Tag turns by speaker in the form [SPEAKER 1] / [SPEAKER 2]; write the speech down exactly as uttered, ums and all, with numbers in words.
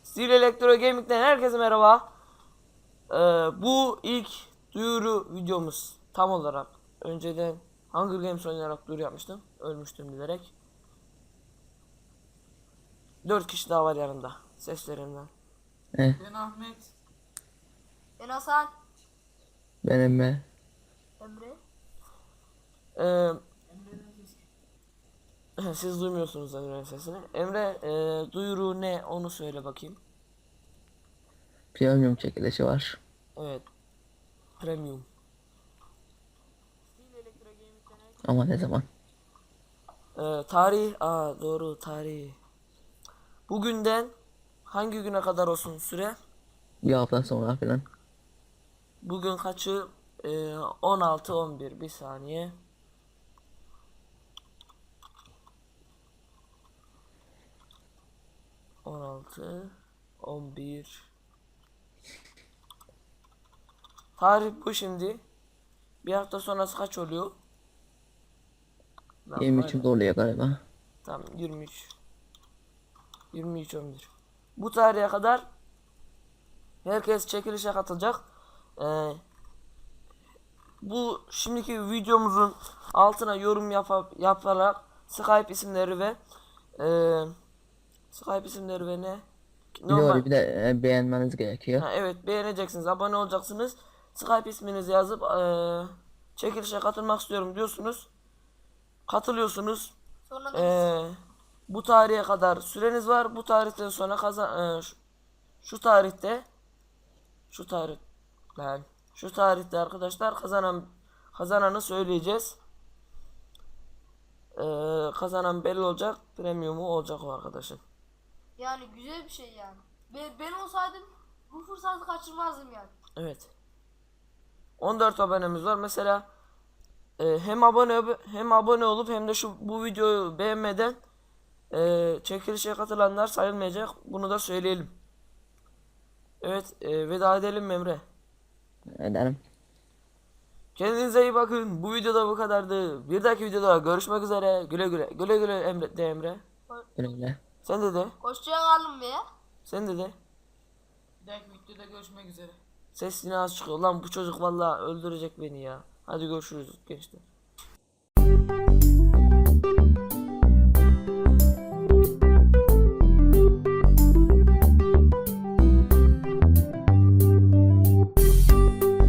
[SPEAKER 1] Steel Electro Gaming'den herkese merhaba. Ee, bu ilk duyuru videomuz tam olarak. Önceden Hunger Games oynayarak duyuru yapmıştım. Ölmüştüm bilerek. Dört kişi daha var yanımda. Seslerinden.
[SPEAKER 2] Eh,
[SPEAKER 3] Ben Ahmet.
[SPEAKER 4] Ben Hasan.
[SPEAKER 2] ben Emre.
[SPEAKER 4] Emre.
[SPEAKER 1] Ee, siz duymuyorsunuz Emre'nin sesini. Emre e, duyuru ne onu söyle bakayım.
[SPEAKER 2] Premium çekilişi var.
[SPEAKER 1] Evet. Premium.
[SPEAKER 2] Ama ne zaman?
[SPEAKER 1] Ee, tarih. Aa doğru tarih. Bugünden hangi güne kadar olsun süre?
[SPEAKER 2] Bir hafta sonra falan.
[SPEAKER 1] Bugün kaçı? Ee, on altı on bir. Bir saniye. on altı on bir. Tarih bu şimdi. Bir hafta sonrası kaç oluyor? Lan
[SPEAKER 2] yirmi
[SPEAKER 1] var ya.
[SPEAKER 2] üçünde oluyor galiba.
[SPEAKER 1] Tamam yirmi üç. yirmi üç on bir. Bu tarihe kadar herkes çekilişe katılacak. Ee, bu şimdiki videomuzun altına yorum yapa, yaparak Skype isimleri ve e, Skype isimleri ve ne?
[SPEAKER 2] Videoyu bir de e, beğenmeniz gerekiyor.
[SPEAKER 1] Ha, evet beğeneceksiniz, abone olacaksınız. Skype isminizi yazıp eee çekilişe katılmak istiyorum diyorsunuz. Katılıyorsunuz.
[SPEAKER 4] Sonra da
[SPEAKER 1] Eee, bu tarihe kadar süreniz var. Bu tarihten sonra kazan eee, şu, şu tarihte şu tarih ben şu tarihte arkadaşlar kazanan kazananı söyleyeceğiz. Eee, kazanan belli olacak. Premiumu olacak o arkadaşın.
[SPEAKER 4] yani güzel bir şey yani. Ben, ben olsaydım bu fırsatı kaçırmazdım yani.
[SPEAKER 1] Evet. on dört abonemiz var. Mesela e, hem abone hem abone olup hem de şu bu videoyu beğenmeden e, çekilişe katılanlar sayılmayacak. Bunu da söyleyelim. Evet, e, veda edelim mi Emre?
[SPEAKER 2] Ederim.
[SPEAKER 1] Kendinize iyi bakın. Bu videoda bu kadardı. Bir dahaki videoda görüşmek üzere. Güle güle. Güle güle Emre de Emre.
[SPEAKER 2] Öyle.
[SPEAKER 1] Sen de de.
[SPEAKER 4] Hoşça kalın be.
[SPEAKER 1] Sen de de.
[SPEAKER 3] Bir dahaki videoda görüşmek üzere.
[SPEAKER 1] Ses yine az çıkıyor. Lan bu çocuk vallahi öldürecek beni ya. Hadi görüşürüz gençler.